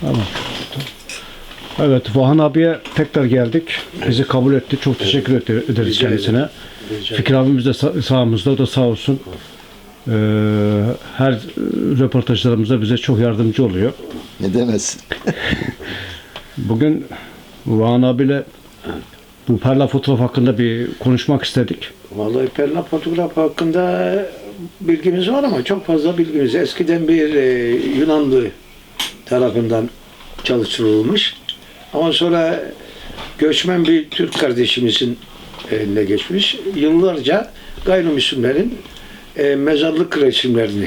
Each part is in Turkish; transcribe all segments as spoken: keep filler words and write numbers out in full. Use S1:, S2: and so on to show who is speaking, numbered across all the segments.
S1: Tamam. Evet, Vahan abiye tekrar geldik. Bizi kabul etti. Çok teşekkür ed- ederiz
S2: Rica
S1: kendisine.
S2: ederim. Rica
S1: Fikri abimiz de sa- sağımızda, o da sağ olsun. Ee, her röportajlarımızda bize çok yardımcı oluyor.
S3: Ne demez.
S1: Bugün Vahan abiyle bu perla fotoğraf hakkında bir konuşmak istedik.
S2: Vallahi perla fotoğraf hakkında bilgimiz var ama çok fazla bilgimiz. Eskiden bir e, Yunanlı tarafından çalıştırılmış. Ama sonra göçmen bir Türk kardeşimizin eline geçmiş. Yıllarca gayrimüslimlerin e, mezarlık resimlerini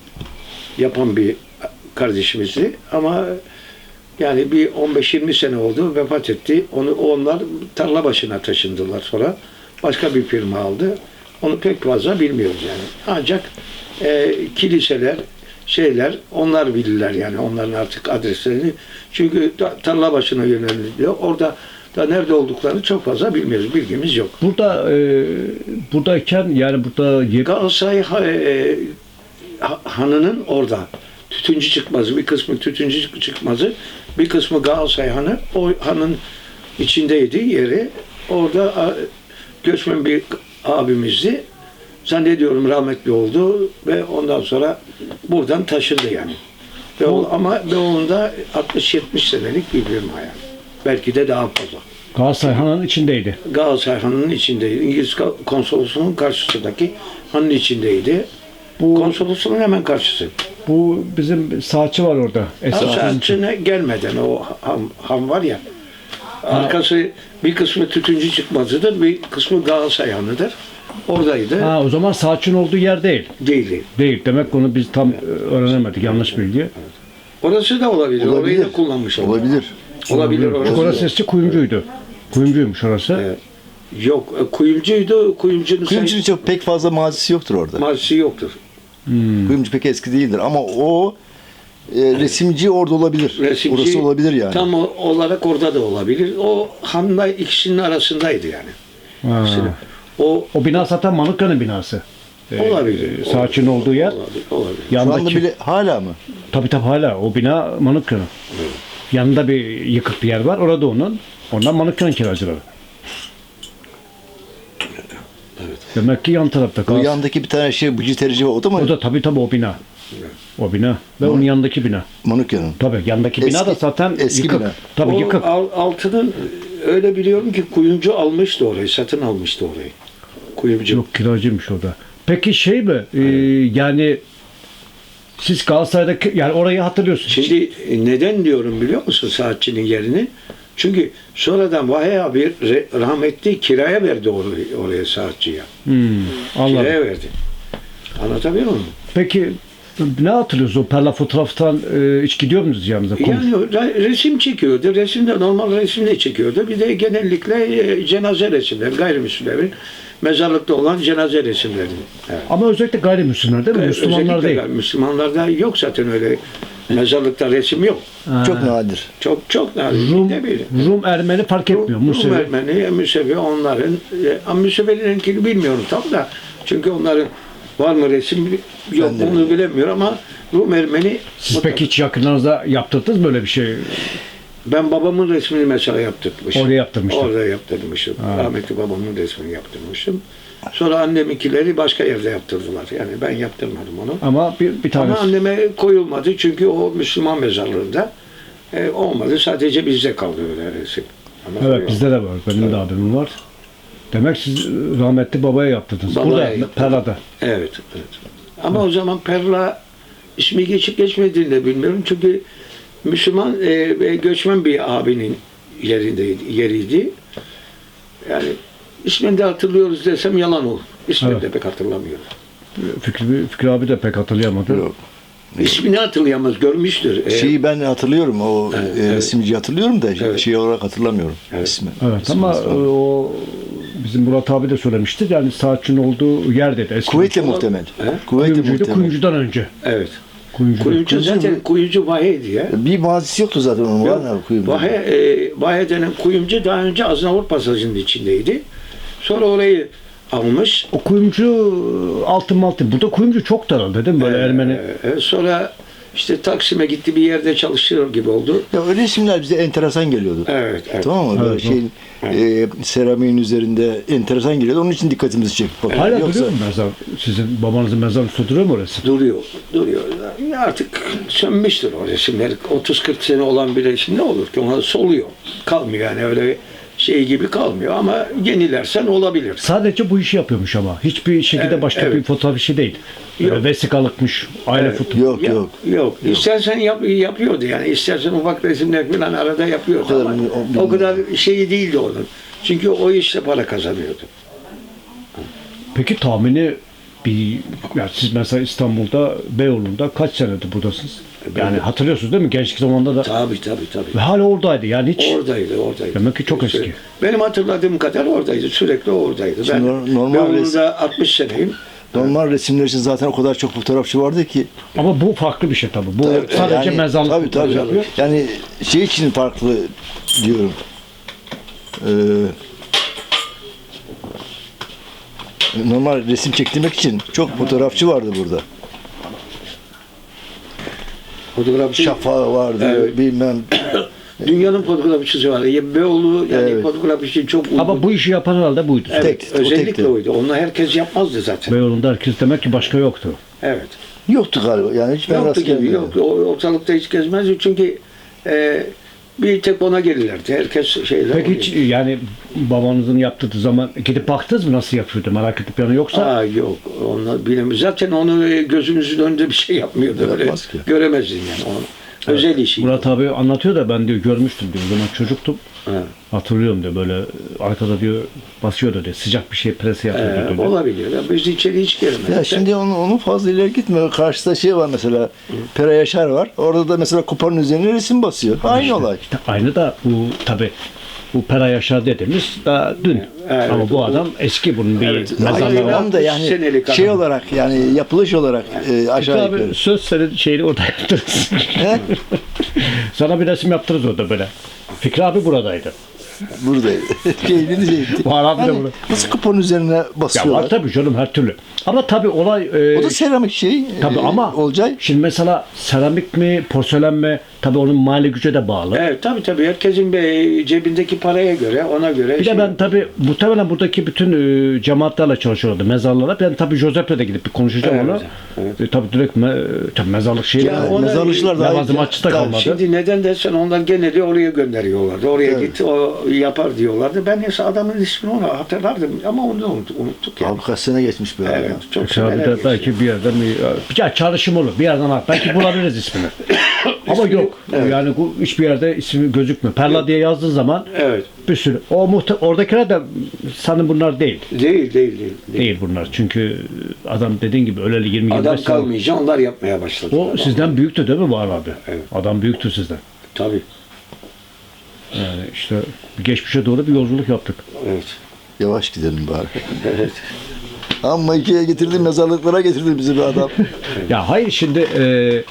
S2: yapan bir kardeşimizdi. Ama yani bir on beş yirmi sene oldu, vefat etti. Onu onlar tarla başına taşındılar sonra. Başka bir firma aldı. Onu pek fazla bilmiyoruz yani. Ancak e, kiliseler, şeyler, onlar bilirler yani onların artık adreslerini. Çünkü da, tarla başına yöneliliyor. Orada da nerede olduklarını çok fazla bilmiyoruz. Bilgimiz yok.
S1: Burada e, buradayken yani burada yer-
S2: Galatasaray ha- e, ha- hanının orada tütüncü çıkmazı, bir kısmı tütüncü çıkmazı, bir kısmı Galatasaray hanı, o hanın içindeydi yeri. Orada a, göçmen bir abimizdi. Zannediyorum rahmetli oldu ve ondan sonra buradan taşındı yani. Beyoğlu, ama Beyoğlu'nda altmış yetmiş senelik bir firma yani. Belki de daha fazla.
S1: Galatasaray Hanı'nın içindeydi.
S2: Galatasaray hanının içindeydi. İngiliz konsolosluğunun karşısındaki hanın içindeydi.
S1: Bu
S2: Konsolosluğun hemen karşısı.
S1: bu bizim saatçi var orada. Eski
S2: Saatçine gelmeden o ham, ham var ya. Arkası bir kısmı tütüncü çıkmazıdır, bir kısmı Galatasaray hanıdır. Oradaydı.
S1: Ha, o zaman saatçinin olduğu yer değil.
S2: Değildi.
S1: Değil. Demek ki onu biz tam e, öğrenemedik. Yanlış bilgi.
S2: Orası da olabilir. Orayı
S3: Olabilir.
S2: da kullanmış olabilir.
S3: Olabilir.
S2: Olabilir
S1: Çünkü
S2: orası.
S1: orası eski kuyumcuydu. Kuyumcuymuş orası.
S2: Evet. Yok, e, kuyumcuydu. Kuyumcunun
S3: Kuyumcunun çok pek fazla mazisi yoktur orada.
S2: marşı yoktur.
S1: Hmm.
S3: Kuyumcu pek eski değildir ama o e, resimci orada olabilir.
S2: Resimci
S3: Orası olabilir yani.
S2: tam o- olarak orada da olabilir. O hanla ikisinin arasındaydı yani.
S1: Ha.
S2: İkisinin. O
S1: O bina zaten Manukyan'ın binası. Ee,
S2: olabilir.
S1: Saatçinin olduğu yer.
S2: Olabilir. olabilir.
S3: Şu anda
S1: Yandaki,
S3: bile hala mı?
S1: tabii tabii hala o bina Manukyan'ın. Yanında bir yıkık bir yer var. Orada onun. Ondan Manukyan'ın kiracıları.
S2: Evet.
S1: Demek ki yan tarafta.
S3: O
S1: Galatasaray-
S3: yandaki bir tane şey buci terici var. O da mı?
S1: O da tabii tabii o bina. O bina. Ve onun yanındaki bina.
S3: Manukya'nın.
S1: Tabii yandaki bina da
S3: Eski-
S1: zaten
S3: eski
S1: yıkık.
S3: bina.
S1: Tabii
S2: O
S1: yıkık.
S2: al- altının öyle biliyorum ki kuyumcu almıştı orayı, satın almıştı orayı. Kuyumcu.
S1: Yok, kiracıymış o da. Peki şey mi? e, yani siz Galatasaray'daki yani orayı hatırlıyorsunuz.
S2: Şimdi e, neden diyorum biliyor musun saatçinin yerini? Çünkü sonradan Vahiy abi re- rahmetli kiraya verdi orayı, oraya saatçiye.
S1: Hmm, anladım.
S2: Kiraya verdi. Anlatabiliyor muyum?
S1: Peki ne hatırlıyorsunuz o perla fotoğraftan e, hiç gidiyor musunuz yanınıza? Konuş-
S2: Yani re- resim çekiyordu. Resimde normal resimde çekiyordu. Bir de genellikle e, cenaze resimleri, gayrimüslimlerin mezarlıkta olan cenaze resimleri. Evet.
S1: Ama özellikle gayrimüslimler değil mi? Müslümanlar
S2: Özellikle
S1: değil.
S2: gayri- Müslümanlarda yok zaten öyle mezarlıkta resim yok.
S1: Ha.
S3: Çok nadir.
S2: Çok çok nadir.
S1: Rum,
S2: Ne bileyim.
S1: Rum, Ermeni fark etmiyor.
S2: Rum
S1: Musevi.
S2: Ermeni, Musevi onların, e, ama Musevi'ninkini bilmiyorum tam da. Çünkü onların var mı resim yok
S3: Ben de
S2: onu
S3: bilmiyorum.
S2: bilemiyorum ama Rum Ermeni
S1: Siz
S2: mutlaka-
S1: peki hiç yakınlarınızda yaptırdınız mı böyle bir şey?
S2: Ben babamın resmini mesela yaptırmışım.
S1: Orada yaptırmıştın.
S2: Orada yaptırmışım.
S1: Ha.
S2: Rahmetli babamın resmini yaptırmışım. Sonra anneminkileri başka yerde yaptırdılar. Yani ben yaptırmadım onu.
S1: Ama bir, bir tanesi.
S2: Ama anneme koyulmadı çünkü o Müslüman mezarlığında e, olmadı. Sadece bizde kaldı öyle resim. Anlatabiliyor
S1: Evet, bizde de var. Benim de abimin var. Demek siz rahmetli babaya yaptırdınız.
S2: Babaya
S1: Burada,
S2: yaptırdım.
S1: Perla'da.
S2: Evet, evet. Ama o zaman Perla ismi geçip geçmediğini de bilmiyorum. Çünkü Müslüman e, ve göçmen bir abinin yerindeydi, yeriydi. Yani ismini de hatırlıyoruz desem yalan olur. İsmini
S1: Evet.
S2: de pek hatırlamıyorum.
S1: Fikri, Fikri abi de pek hatırlayamadı.
S3: Yok.
S2: İsmini hatırlayamaz, görmüştür. E,
S3: Şeyi ben hatırlıyorum. O
S2: Evet,
S3: e,
S2: evet.
S3: resimciyi hatırlıyorum da
S2: Evet.
S3: şey olarak hatırlamıyorum
S2: Evet.
S3: ismi.
S1: Evet
S3: İsmini
S1: ama e,
S3: hatırlamıyorum.
S1: o bizim Murat abi de söylemiştir. Yani saatçinin olduğu yer dedi. Eski
S3: Kuvvetle muhtemel.
S2: He?
S3: Kuvvetle
S1: kuyumcuydu.
S3: muhtemel.
S1: Kuyumcudan önce.
S2: evet.
S1: Kuyumcu.
S2: Kuyumcu
S3: Kuyumcu
S2: zaten
S3: mu?
S2: kuyumcu Vahiy diye.
S3: Bir mazisi yoktu zaten onun. Var mı kuyumcu?
S2: Vahiy, e, Vahiy denen kuyumcu daha önce Aznavur Pasajı'nın içindeydi. Sonra orayı almış.
S1: O kuyumcu altın maltın. Burada kuyumcu çok daraldı değil mi? Böyle Ermeni.
S2: Ee, sonra işte Taksim'e gitti, bir yerde çalışıyor gibi oldu.
S3: Ya o resimler bize enteresan geliyordu.
S2: Evet, evet.
S3: Tamam mı? Böyle
S1: Evet,
S3: şeyin e, seramiğin üzerinde enteresan geliyordu. Onun için dikkatimizi çekti. Bak,
S1: Hala
S3: yoksa
S1: duruyor mu mezar? Sizin babanızın mezarı duruyor mu orası?
S2: Duruyor, duruyor. Ya artık sönmüştür o resimler. otuz kırk sene olan bir resim ne olur ki? Ona soluyor. Kalmıyor yani, öyle şey gibi kalmıyor ama yenilersen olabilir.
S1: Sadece bu işi yapıyormuş ama. Hiçbir şekilde
S2: Evet,
S1: başka
S2: evet.
S1: bir fotoğraf işi değil.
S2: Yok.
S1: Yok. Vesikalıkmış, aile
S2: Evet.
S1: fotoğrafı.
S3: yok
S2: Ya-
S3: yok.
S2: Yok. İstersen yap, yapıyordu yani. İstersen ufak resimler falan arada yapıyordu
S3: O kadar
S2: ama
S3: mı- o-
S2: o kadar şeyi değildi onun. Çünkü o işte para kazanıyordu.
S1: Peki tahmini bir, ya siz mesela İstanbul'da, Beyoğlu'nda kaç senedir buradasınız? Yani hatırlıyorsunuz değil mi? Gençlik zamanında da
S2: Tabii tabii tabii.
S1: ve hala oradaydı. Yani hiç
S2: Oradaydı, oradaydı.
S1: Demek ki çok eski.
S2: Benim hatırladığım kadar oradaydı. Sürekli oradaydı. Ben
S3: Şimdi nor- normal
S2: Beyoğlu'nda altmış seneyim.
S3: Normal resimler için zaten o kadar çok fotoğrafçı vardı ki.
S1: ama bu farklı bir şey tabii. Bu
S3: Tabii,
S1: sadece
S3: yani-
S1: mezarlık
S3: tabii,
S1: fotoğrafı
S3: tabii.
S1: yapıyor.
S3: Yani şey için farklı diyorum. Ee, normal resim çektirmek için çok fotoğrafçı vardı burada.
S2: Fotoğrafçı.
S3: Şafağı vardı,
S2: Evet.
S3: bilmem.
S2: Dünyanın fotoğrafçısı var. Ya Beyoğlu yani
S3: Evet.
S2: fotoğraf için çok uygun.
S1: Ama bu işi yapan herhalde buydu.
S2: Evet,
S3: Tek- o
S2: özellikle
S3: tekti.
S2: oydu. Onu herkes yapmazdı zaten.
S1: Beyoğlu'nda herkes demek ki başka yoktu.
S2: Evet.
S3: Yoktu galiba. Yani hiç ben
S2: Yoktu
S3: rast
S2: gibi.
S3: gelmedim.
S2: Yok. O ortalıkta hiç gezmezdi çünkü e, bir tek ona gelirlerdi. Herkes şeyler.
S1: Peki hiç yani babanızın yaptığı zaman gidip baktınız mı nasıl yapıyordu? Merak edip yanı yoksa?
S2: Aa yok. Onu bilemiyorum. Zaten onu e, gözümüzün önünde bir şey yapmıyordu. Öyle
S3: Yapmaz ki.
S2: göremezdin yani onu. Özel işi.
S1: Murat abi anlatıyor da ben diyor görmüştüm diyor. O zaman çocuktum.
S2: Ha.
S1: Hatırlıyorum diyor böyle arkada diyor basıyordu diyor. Sıcak bir şey presi yapıyordu
S2: Ee,
S1: diyor.
S2: olabiliyor. Ya biz içeri hiç girmedik.
S3: Ya şimdi onu, onu fazla ileri gitme. Karşıda şey var mesela. Pera Yaşar var. Orada da mesela kupanın üzerine resim basıyor. Aynı
S1: İşte,
S3: olay.
S1: işte aynı da bu tabi bu Pera Yaşar dediğimiz daha dün.
S2: Evet,
S1: Ama bu
S2: o-
S1: adam eski bunun bir
S2: Evet,
S1: mezarlığı
S2: aynen.
S1: var.
S3: Tamam da yani
S2: senelik
S3: şey
S2: adam.
S3: olarak yani yapılış olarak e, aşağı
S1: Abi
S3: yukarı.
S1: söz senin şeyini orada yaptırırız.
S3: He?
S1: Sana bir resim yaptırırız orada böyle. Fikri abi buradaydı.
S3: Buradaydı. Şeyini diyecekti.
S1: Var abi de
S3: Hani
S1: burada.
S3: nasıl kupanın üzerine
S1: Ya
S3: basıyorlar?
S1: var tabii canım her türlü. Ama tabii olay e,
S3: O da seramik şey.
S1: tabii
S3: e,
S1: ama
S3: Olcay.
S1: şimdi mesela seramik mi porselen mi tabii onun mali güce de bağlı.
S2: Evet tabii tabii. Herkesin bir cebindeki paraya göre, ona göre.
S1: Bir
S2: şey-
S1: de ben tabii muhtemelen buradaki bütün e, cemaatlerle çalışıyordu mezarlara. Ben tabii Josep'le de gidip bir konuşacağım
S2: Evet,
S1: onu.
S2: evet.
S1: E, tabii direkt me, tabii mezarlık şeyi.
S2: Ya
S3: Yani
S2: ona-
S3: mezarlıkçılar daha
S1: Lavazım
S3: iyi.
S1: açıkta
S2: Tabii,
S1: kalmadı.
S2: Şimdi neden dersen onlar geneli oraya gönderiyorlardı. Oraya
S3: Evet.
S2: git, o yapar diyorlardı. Ben neyse adamın ismini onu hatırlardım ama onu da unut- unuttuk yani.
S3: Abi kaç sene geçmiş be
S2: Evet,
S3: adam.
S2: çok
S1: Mesela bir
S2: seneler
S1: de
S2: geçti.
S1: belki bir yerden bir, ya çalışım olur. Bir yerden al. Belki bulabiliriz ismini. Ama yok.
S2: Evet.
S1: Yani bu hiçbir yerde ismi gözükmüyor. Perla diye yazdığı zaman
S2: Evet.
S1: bir sürü. O muhte oradakiler de sanırım bunlar değil.
S2: Değil, değil, değil. değil.
S1: Değil bunlar. Çünkü adam dediğin gibi öleli yirmi yirmi
S2: Adam
S1: beş sene.
S2: kalmayınca onlar yapmaya başladı.
S1: O sizden büyüktü değil mi Bahar abi?
S2: Evet.
S1: Adam büyüktü sizden.
S2: Tabii.
S1: Yani işte geçmişe doğru bir yolculuk yaptık.
S2: Evet.
S3: Yavaş gidelim bari.
S2: Evet.
S3: Ama ikiye getirdi, mezarlıklara getirdi bizi bir adam.
S1: Ya hayır şimdi e,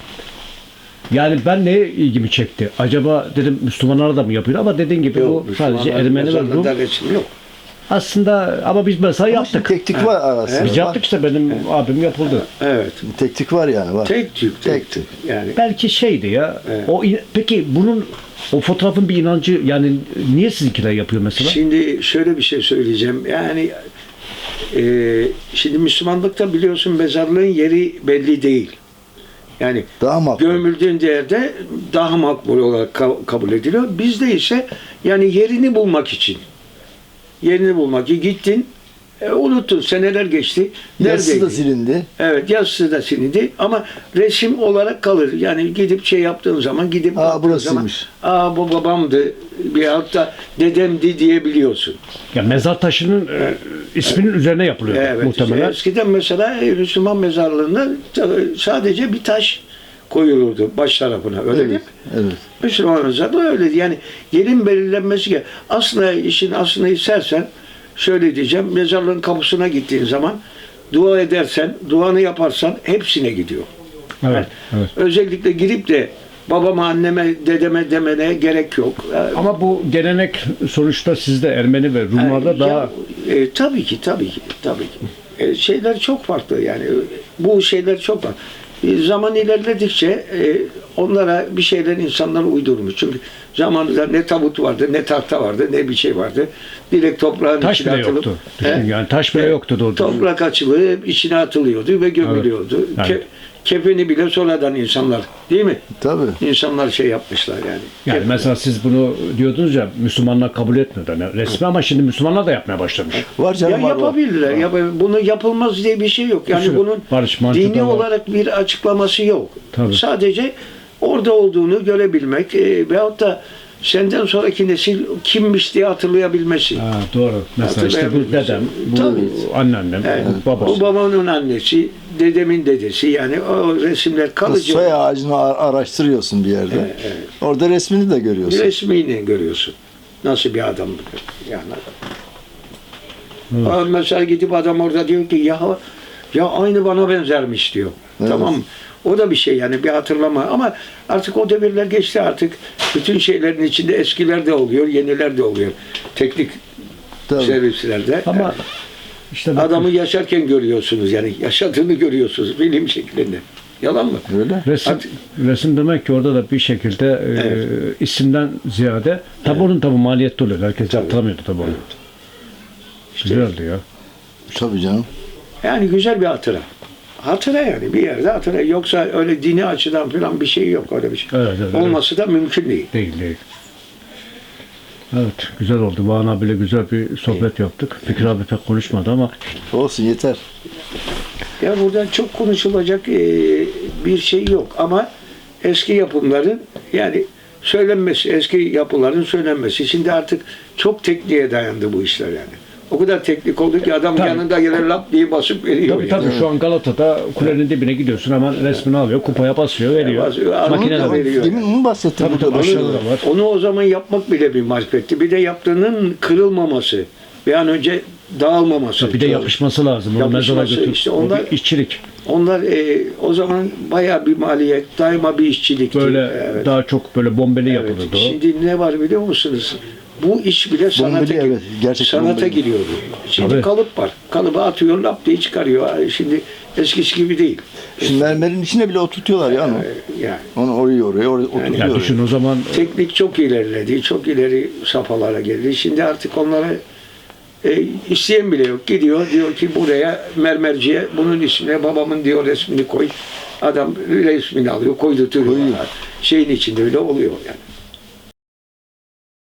S1: yani ben ne ilgimi çekti? Acaba dedim Müslümanlar da mı yapıyor? Ama dediğin gibi
S2: Yok,
S1: bu sadece
S2: Müslümanlar
S1: Ermeni ve Rum.
S2: mezarlığında resim yok.
S1: Aslında ama biz mesela yaptık.
S3: Teknik var arasında.
S1: Biz yaptık işte benim abim yapıldı.
S2: Evet.
S3: Teknik var yani var.
S2: Tek tük, tek
S3: Tek
S2: tük. Yani
S1: Belki şeydi ya.
S2: Evet.
S1: O in- peki bunun o fotoğrafın bir inancı yani niye sizinkiler yapıyor mesela?
S2: şimdi şöyle bir şey söyleyeceğim. Yani e, şimdi Müslümanlıkta biliyorsun mezarlığın yeri belli değil. Yani
S3: Daha makbul.
S2: gömüldüğün yerde daha makbul olarak ka- kabul ediliyor. Bizde ise yani yerini bulmak için. Yerini bulmak için gittin, e, unuttun, seneler geçti.
S3: Yazısı da
S2: Neredeydi?
S3: silindi.
S2: Evet, yazısı da silindi ama resim olarak kalır. Yani gidip şey yaptığın zaman gidip
S3: Aa,
S2: baktığın
S3: burasıymış.
S2: zaman aa bu babamdı bir hatta dedemdi diyebiliyorsun.
S1: Ya mezar taşının e, isminin üzerine yapılıyor
S2: Evet.
S1: muhtemelen.
S2: Eskiden mesela e, Müslüman mezarlığında ta- sadece bir taş koyulurdu baş tarafına. Öyle değil mi?
S3: Evet. Evet.
S2: Müslüman mezarlığı öyleydi. Yani yerin belirlenmesi ki aslında işin aslını istersen şöyle diyeceğim. Mezarlığın kapısına gittiğin zaman dua edersen, duanı yaparsan hepsine gidiyor.
S1: Evet, evet.
S2: Özellikle girip de babama, anneme, dedeme demene gerek yok.
S1: Ama bu gelenek sonuçta sizde Ermeni ve Rumlarda
S2: Ya,
S1: daha
S2: e, tabii ki, tabii ki, tabii ki. E, şeyler çok farklı yani. Bu şeyler çok farklı. E, zaman ilerledikçe e, onlara bir şeyler insanlar uydurmuş. Çünkü zamanında ne tabut vardı, ne tahta vardı, ne bir şey vardı. Direkt toprağın
S1: Taş
S2: içine
S1: bile
S2: atılıp
S1: yoktu. Düşün
S2: He?
S1: yani taş bile
S2: He,
S1: yoktu doğru.
S2: toprak açılıp içine atılıyordu ve gömülüyordu.
S1: Evet.
S2: Ke- kefeni bile sonradan insanlar, değil mi?
S3: Tabii.
S2: İnsanlar şey yapmışlar yani.
S1: Yani
S2: Kefeni.
S1: mesela siz bunu diyordunuz ya, Müslümanlar kabul etmiyor yani resmi, ama şimdi Müslümanlar da yapmaya başlamış.
S3: Var
S2: Ya
S3: canım var. var.
S2: yapabilirler. Yap bunu yapılmaz diye bir şey yok. Yani
S1: sürü
S2: bunun
S1: barış mantığı
S2: dini
S1: da var.
S2: olarak bir açıklaması yok.
S1: Tabii.
S2: Sadece orada olduğunu görebilmek e, veyahut da senden sonraki nesil kimmiş diye hatırlayabilmesi.
S1: Ha, doğru. Mesela işte bu
S2: Hatırlayabilmesi.
S1: dedem, bu
S2: Tabii.
S1: anneannem,
S2: Evet.
S1: bu babası.
S2: Bu babamın annesi, dedemin dedesi, yani o resimler kalıcı.
S3: Soy ağacını ar- araştırıyorsun bir yerde.
S2: Evet, evet.
S3: Orada resmini de görüyorsun.
S2: Resmini görüyorsun. Nasıl bir adam yani.
S1: Evet.
S2: Aa, Mesela gidip adam orada diyor ki ya ya aynı bana benzermiş diyor.
S3: Evet.
S2: Tamam mı? O da bir şey yani, bir hatırlama, ama artık o devirler geçti, artık bütün şeylerin içinde eskiler de oluyor, yeniler de oluyor. Teknik
S3: Tabii.
S2: servislerde.
S1: Ama işte bak-
S2: Adamı yaşarken görüyorsunuz, yani yaşadığını görüyorsunuz bilim şeklinde. Yalan mı?
S3: Öyle.
S1: Resim,
S2: Artık-
S1: resim demek ki orada da bir şekilde e,
S2: Evet.
S1: isimden ziyade tabi onun tabi maliyetli oluyor. Herkes
S2: Tabii.
S1: hatırlamıyordu tabi onu. Güzeldi ya.
S3: Tabii canım.
S2: Yani güzel bir hatıra. Hatıra yani, bir yerde hatıra. Yoksa öyle dini açıdan falan bir şey yok, öyle bir şey.
S1: Evet, evet,
S2: Olması da mümkün değil.
S1: Değil değil. Evet, güzel oldu. Bağın abiyle güzel bir sohbet yaptık. Fikri abi pek konuşmadı ama
S3: Olsun yeter.
S2: Ya burada çok konuşulacak e, bir şey yok, ama eski yapımların, yani söylenmesi, eski yapıların söylenmesi. Şimdi artık çok tekniğe dayandı bu işler yani. O kadar teknik oldu ki adam
S1: Tabii.
S2: yanında gelir lap diye basıp veriyor.
S1: tabii
S2: yani.
S1: tabii şu an Galata'da kulenin dibine gidiyorsun, hemen resmini alıyor, kupaya basıyor, veriyor.
S2: basıyor, alıyor,
S1: Makine de
S2: alıyor.
S1: var.
S2: veriyor.
S3: Demin onu bahsettim.
S1: Tabii,
S3: burada.
S1: tabii, aşağıda da var.
S2: Onu o zaman yapmak bile bir marifetti. Bir de yaptığının kırılmaması, bir an önce dağılmaması.
S1: Bir de yapışması lazım. Onu
S2: Yapışması,
S1: mezara götür.
S2: işte
S1: O
S2: onlar-
S1: bir işçilik.
S2: Onlar e, o zaman bayağı bir maliyet, daima bir işçilikti.
S1: Böyle
S2: Evet.
S1: daha çok böyle bombeli
S2: Evet.
S1: yapılırdı o.
S2: Şimdi ne var biliyor musunuz? Bu iş bile sanata,
S3: Bombeli, evet. Gerçekten
S2: sanata
S3: bombeli.
S2: giriyordu. Şimdi
S1: Tabii.
S2: kalıp var. Kalıbı atıyor, lap diye çıkarıyor. Şimdi eskisi gibi değil.
S3: Şimdi mermerin içine bile oturtuyorlar ya onu.
S2: Ee, Yani
S3: Onu oraya oraya oraya oturtuyor.
S1: Ya düşün o zaman
S2: teknik çok ilerledi. Çok ileri safhalara geldi. Şimdi artık onlara e, isteyen bile yok. Gidiyor diyor ki buraya mermerciye bunun ismine babamın diyor resmini koy. Adam resmini alıyor, koydurtuyor. Şeyin içinde bile oluyor yani.